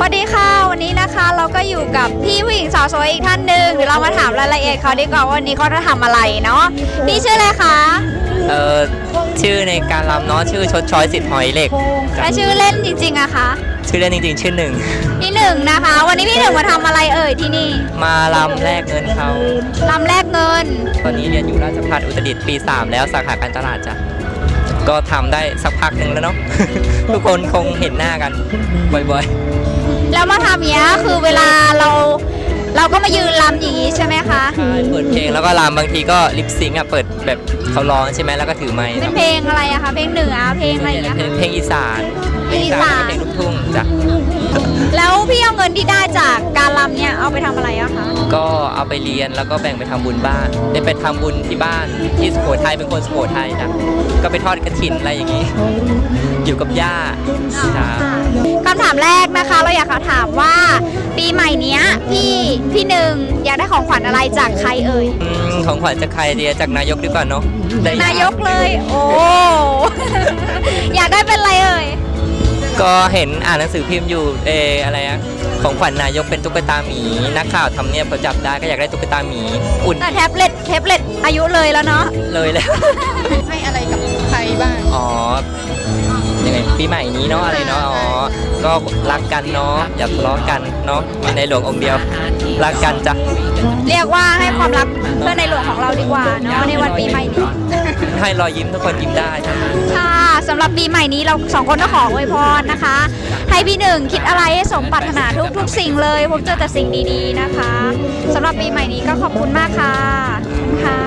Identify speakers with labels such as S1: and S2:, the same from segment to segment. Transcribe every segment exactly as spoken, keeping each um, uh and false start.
S1: วัสดีค่ะวันนี้นะคะเราก็อยู่กับพี่ผู้หญิงสาวสวยอีกท่านหนึ่งเดี๋ยวเรามาถามรายละเอียดเขาดีกว่าวันนี้เขาจะทำอะไรเนาะพี่ชื่ออะไรคะ
S2: เอ่อชื่อในการรำเนาะชื่อชดช้อยสิทธิ์หอยเหล็ก
S1: และชื่อเล่นจริงๆอะคะ
S2: ชื่อเล่นจริงๆชื่อหนึ่ง
S1: พี่หนึ่งนะคะวันนี้พี่หนึ่งมาทำอะไรเอ่ยที่นี่
S2: มารำแลกเงินเขา
S1: รำแลกเงิน
S2: ตอนนี้เรียนอยู่ราชภัฏอุตรดิตถ์ปีสามแล้วสาขาการตลาดจ้ะก็ทำได้สักพักหนึ่งแล้วเนาะ ทุกคนคงเห็นหน้ากันบ่อย
S1: ๆแล้วมาทำเนี้ยคือเวลาเราเราก็มายืนรำอย่างนี้ใช่ไหมคะ
S2: ใช่เปิดเพลงแล้วก็รำบางทีก็ลิปซิงค์อ่ะเปิดแบบเขาร้องใช่ไหมแล้วก็ถือไมค์
S1: เป็นเพลงอะไรอะคะเพลงเหนือเพลงอะไรอย่างเงี้ย
S2: เพลงอีสาน
S1: เพลงอีสาน
S2: เพลงลูกทุ่งจ้ะ
S1: แล้วพี่เอาเงินที่ได้จากการรำเนี่ยเอาไปทำอะไรอะคะ
S2: ก็เอาไปเรียนแล้วก็แบ่งไปทำบุญบ้านได้ไปทำบุญที่บ้านที่สุโขทัยเป็นคนสุโขทัยจ้ะก็ไปทอดกฐินอะไรอย่างนี้อยู่กับย่า
S1: คำถามแรกนะคะเราอยากถามว่าปีใหม่นี้พี่พี่หนึ่งอยากได้ของขวัญอะไรจากใครเอ่ย
S2: ของขวัญจากใครเดียจากนายกดีกว่าเนาะ
S1: นายกเลยโอ้อยากได้เป็นอะไรเอ่ย
S2: ก็เห็นอ่านหนังสือพิมพ์อยู่เอออะไรอะของขวัญนายกเป็นตุ๊กตาหมีนักข่าวทำเนี่ยพอจับได้ก็อยากได้ตุ๊กตาหมีอุ่น
S1: แต่แท็บเล็ตแท็บเล็ตอายุเลยแล้วเนาะ
S2: เลยแล้ว
S1: ให้อะไรกับใครบ้าง
S2: อ๋อยังไงปีใหม่นี้เนาะอะไรเนาะอ๋อก็รักกันเนาะอย่าทะเลาะกันเนาะในหลวงองค์เดียวรักกันจ้ะ
S1: เรียกว่าให้ความรักเพื่อในหลวงของเราดีกว่าเนาะในวันปีใหม่นี้
S2: ให้รอยยิ้มทุกคนยิ้มได้
S1: ค่ะสำหรับปีใหม่นี้เราสองคนก็ขออวยพรนะคะให้พี่หนึ่งคิดอะไรให้สมปรารถนาทุกทุกสิ่งเลยพบเจอแต่สิ่งดีๆนะคะสำหรับปีใหม่นี้ก็ขอบคุณมากค่ะค่ะ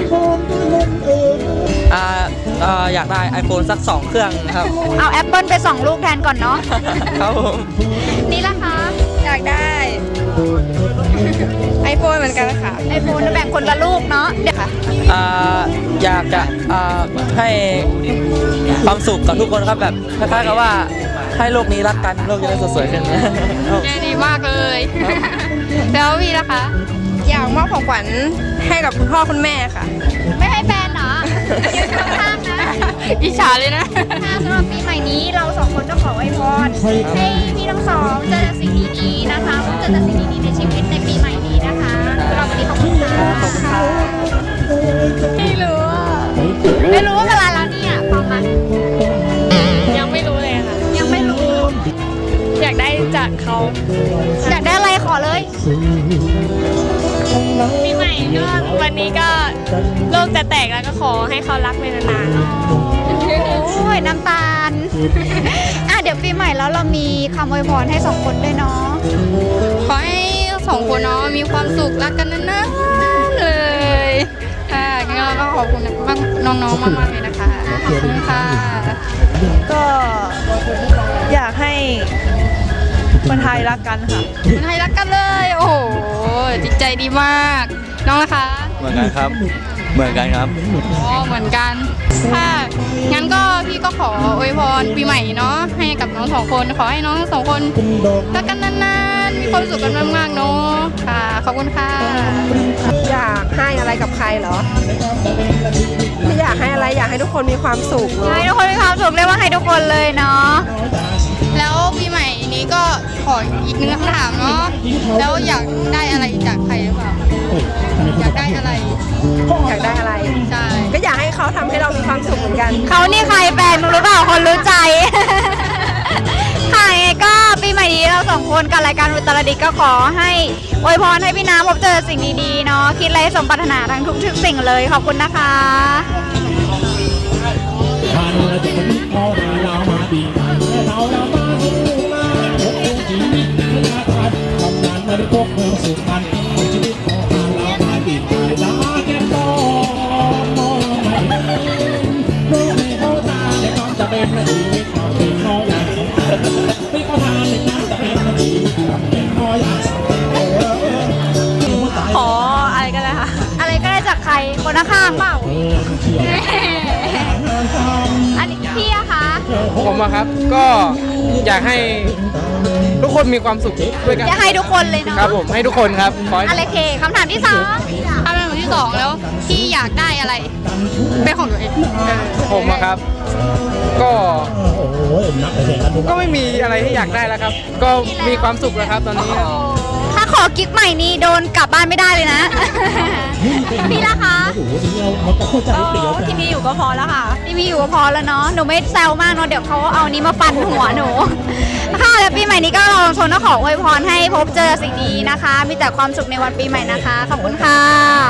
S3: อ่าอ่าอยากได้ iPhone สักสองเครื่องครับ
S1: เอา Apple ไปสองลูกแทนก่อนเนาะ
S3: ครับผม
S1: นี่ล่ะคะ
S4: อยากได้ iPhone เหมือนกันค่ะ
S1: iPhone แบ่งคนละลูกเนาะเดี๋ยวค่ะ
S3: อ่าอยากจะอ่าให้ความสุขกับทุกคนครับแบบคล้ายๆกับว่าให้โลกนี้รักกันโลกจะได้สวยๆขึ้น
S1: ดีมากเลยแล้วพี่ล่ะคะ
S4: อยากมอบของขวัญให้กับคุณพ่อคุณแม่ค่ะ
S1: ไม่ให้แฟนเหรอยืนข้างๆนะ
S4: อิจฉาเลยนะ
S1: สำหรับปีใหม่นี้เราสองคนก็ขออวยพรให้พี่ทั้งสองเจอแต่สิ่งดีๆนะคะเจอแต่สิ่งดีๆในชีวิตในปีใหม่นี้นะคะสำหรับวันนี้ขอบคุณค่ะ
S4: ไม่รู้
S1: ไม่รู้ว่าเวลาแล้วเนี่ยความมัน
S4: ยังไม่รู้เลยค่ะ
S1: ยังไม่รู้
S4: อยากได้จากเขา
S1: อยากได้อะไรขอเลย
S4: ปีใหม่ก็วันนี้ก็โลกจะแตกแล้วก็ขอให้เขารักไปนาน
S1: ๆโอ้ยน้ำตาลอ่ะเดี๋ยวปีใหม่แล้วเรามีคำอวยพรให้สองคนด้วยเนาะ
S4: ขอให้สองคนเนาะมีความสุขรักกันนานๆเลยค่ะงั้นเราก็ขอบคุณน้องๆมากๆเลยนะคะขอบคุณค่ะ
S5: ก็อยากให้คนไทยรักกันค่ะ
S4: คนไทยรักกันเลยโอ้โหจิตใจดีมากน้องนะคะ
S3: เหมือนกันครับเหมือนกันครับ
S4: อ๋อเหมือนกันค่ะงั้นก็พี่ก็ขออวยพรปีใหม่เนาะให้กับน้องสองคนขอให้น้องสองคนรักกันนานๆมีความสุขกันมากๆเนาะค่ะขอบคุณค่ะ
S5: อยากให้อะไรกับใครเหรอไม่อยากให้อะไรอยากให้ทุกคนมีความสุข
S1: ให้ทุกคนมีความสุขเรียกว่าให้ทุกคนเลยเนาะ
S4: แล้วปีใหม่นี้ก็ขออีกหนึ่งคำถามเนาะแล้วอยากได้อะไรจากใครหรือเปล่าอยากได้อะไร
S5: อยากได้อะไร
S4: ใช่
S5: ก็อยากให้เขาทำให้เรามีความสุขเหมือนกัน
S1: เขานี่ใครแฟนรู้หรือเปล่าคนรู้ใจค่ะไงก็ปีใหม่นี้เราสองคนกับรายการอุตรดิตถ์ก็ขอให้อวยพรให้พี่น้ำพบเจอสิ่งดีๆเนาะคิดอะไรสมปรารถนาทั้งทุกๆสิ่งเลยขอบคุณนะคะ
S6: พวกเมืองสุพรรณชีวิตของเรามาติดตายดาแก้มโตมองไม่เห็นรู้ไม่เข้าตาในความจะเป็นชีวิตของที่เขาอยากไม่เข้าทางในความจะเป็นชีวิตของที่เขาอยาก
S1: ขออะไรก็ได้ค่ะอะไรก็ได้จากใครคนข้างเปล่าอันนี้พี่อะคะ
S3: ผมอะครับก็อยากให้ทุกคนมีความสุขด้วยกัน
S1: อยากให้ทุกคนเลยเนาะ
S3: ครับผมให้ทุกคนครับ
S1: อะไรเคคำถามที่สอง
S4: คำถามที่สองแล้วพี่อยากอยากได้อะไรเป็นของตัวเองเออ
S7: ผมอะครับ ก็ก็ไม่มีอะไรที่อยากได้แล้วครับ ก็มีความสุขแล้วครับตอนนี้
S1: ถ้าขอกิ๊กใหม่นี่โดนกลับบ้านไม่ได้เลยนะ พี่ล่ะคะที่มีอยู่ก็พอแล้วค่ะที่มีอยู่ก็พอแล้วเนาะหนูไม่แซวมากเนาะเดี๋ยวเขาเอานี้มาฟันหัวหนูค่ะแล้วปีใหม่นี้ก็เราชนก็ขออวยพรให้พบเจอสิ่งดีนะคะ มีแต่ความสุขในวันปีใหม่นะคะขอบคุณค่ะ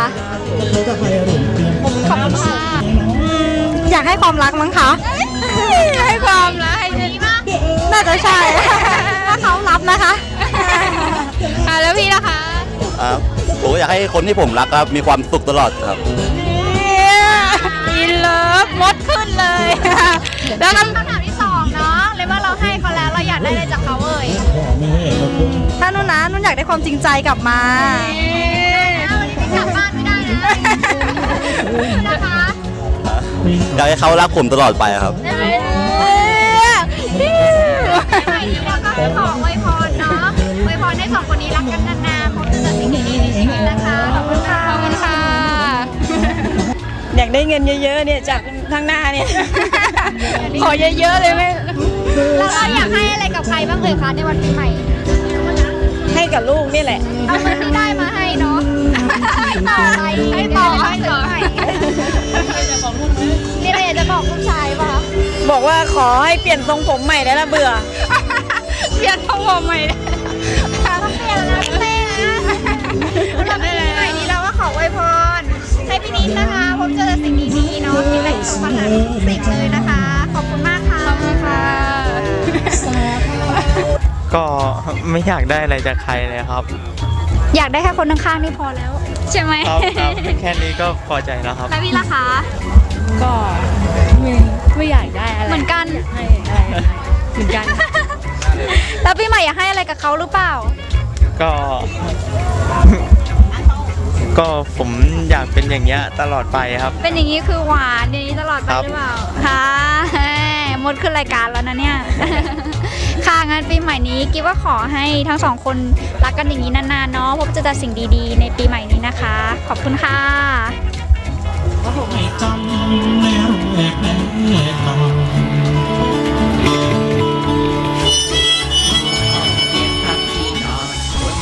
S1: ขอบคุณค่ะอยากให้ความรักมั้งคะให้ความรักให้ดีมากน่าจะใช่ถ้าเขารับนะคะ
S4: อ่ะแล้วพี่นะคะ
S8: ครับผมอยากให้คนที่ผมรักครับมีความสุขตลอดครับ
S1: อินเลิฟมดขึ้นเลย แล้วคำถามที่สองเนาะเลยว่าเราให้เขาแล้วเราอยากได้อะไรจากเขาเอ่ยถ้านุ่นนะนุ่นอยากได้ความจริงใจกลับมาวันนี้กลับบ้านไม่ได้นะนะคะ
S8: อยากให้เขารักผมตลอดไปครับ
S1: ใหม่นี้เราก็จะขออวยพรเนาะอวยพรให้สองคนนี้รักกันนานๆพบเจอสิ่งดีๆในชีวิตนะคะขอบคุณค่ะ
S4: ขอบคุณค่ะ
S9: อยากได้เงินเยอะๆเนี่ยจากทางหน้าเนี่ย
S1: ขอเยอะๆเลยไหมแล้วเราอยากให้อะไรกับใครบ้างเอ่ยคะในวันปีใหม่
S9: ให้กับลูกนี่แหละ
S1: เอาเงินที่ได้มาให้เนาะให้ต่อไปให้ต่อให้ต่อนี่เราอยากจะบอกลูกชายป่ะคะ
S9: บอกว่าขอให้เปลี่ยนทรงผมใหม่ได้ละเบื่อ
S1: เปลี่ยนทรงผมใหม่ต้องเปลี่ยนแล้วนะเต้นะเราปีใหม่นี้เราก็ขออวยพรให้พี่นิดนะคะพบเจอสิ่งดีๆเนาะคิดอะไรสมปรารถนาทุกสิ่งเลยนะคะ ขอบคุณมากค่ะขอบคุณค่ะ
S10: ก็ไม่อยากได้อะไรจากใครเลยครับ
S1: อยากได้แค่คนข้างๆนี่พอแล้วใช่ไหม
S10: ครับครับแค่นี้ก็พอใจแล้วครับ
S1: แล้วพี่ล่ะคะ
S9: ก็ไม่ไม่อยากได้อะไร
S1: เหมือนกัน
S9: ให้อะไรเหมือนกัน
S1: แล้วพี่ใหม่อยากให้อะไรกับเขาหรือเปล่า
S10: ก็ ก็ผมอยากเป็นอย่างเงี้ยตลอดไปครับ
S1: เป็นอย่างนี้คือหวานอย่างนี้ตลอดไป
S10: ครับ
S1: หรือเปล่าค่ะหมดขึ้นรายการแล้วนะเนี่ย ค่ะงั้นปีใหม่นี้กิ๊บว่าขอให้ทั้งสองคนรักกันอย่างนี้นานๆเนาะพบเจอแต่สิ่งดีๆในปีใหม่นี้นะคะ ขอบคุณค่ะ